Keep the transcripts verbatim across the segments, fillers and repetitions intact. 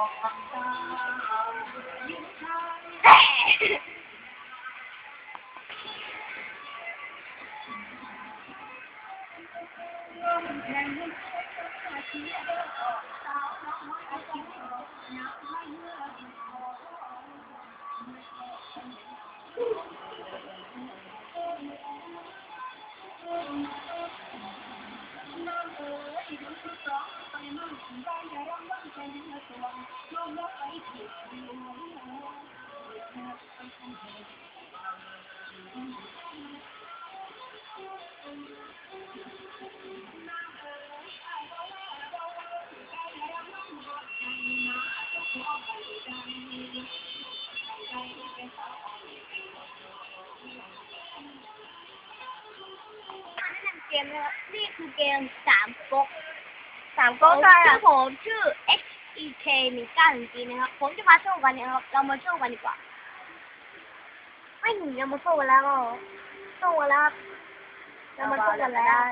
เกมนะครับนี่คือเกมสามก๊กสามก๊กชื่อผมชื่อ X E K หนึ่งเก้าหนึ่ง G นะครับผมจะมาสู้กันนะครับเรามาสู้กันดีกว่าไม่หนีเรามาสู้กันแล้วสู้กันแล้วเรามาสู้กันแล้ว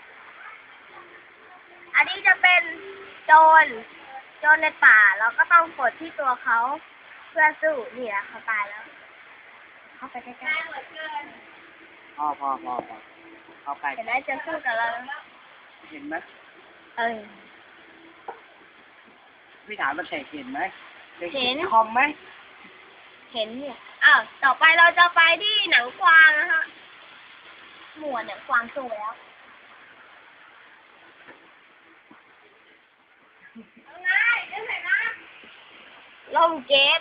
อันนี้จะเป็นโจรโจรในป่าเราก็ต้องกดที่ตัวเขาเพื่อสู้นี่แหละเขาตายแล้วเข้าไปใกล้ๆพ่อพ่อพ่อพ่อเข้าไปเห็นไหมจะสู้กับเราเห็นไหมเออพี่ถามมันเสกเห็นไหมเห็นคอมไหมเห็นเนี่ยอ้าวต่อไปเราจะไปที่หนังกวางนะฮะหมวดหนังกวางสู้แล้วไงเดี๋ยวไหนนะลงเกต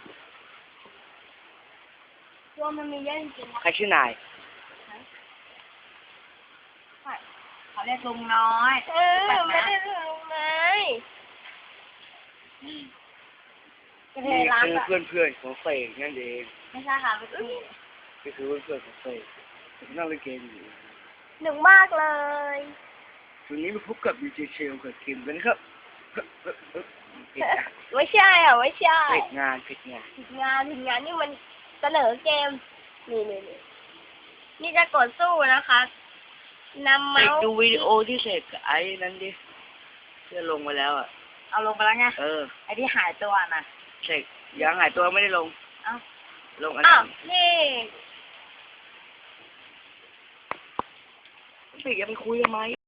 ตัวมันมีเยอะจริงๆนะใครชื่อนายเขาเรียกลุงน้อยเออไม่ได้ลุงน้อยนี่คือเพื่อนเพื่อนของเฟย์นั่นเองไม่ใช่ค่ะเป็นพี่นี่คือเพื่อนเพื่อนของเฟย์นั่งเล่นเกมอยู่หนึ่งมากเลยวันนี้มาพบกับดีเจเชลกับคิมกันครับไม่ใช่อ่ะไม่ใช่ผิดงานผิดงานผิดงานผิดงานนี่มันเสนอเกมนี่นี่นี่นี่จะกดสู้นะคะนำเมาส์ดูวิดีโอที่เสร็จไอ้นั้นดิเพื่อลงมาแล้วอ่ะเอาลงไปแล้วไงเออไอ้ที่หายตัวน่ะเสร็จยังหายตัวไม่ได้ลงเอ้าลงอันนั้นนี่พี่จะไปคุยทำไม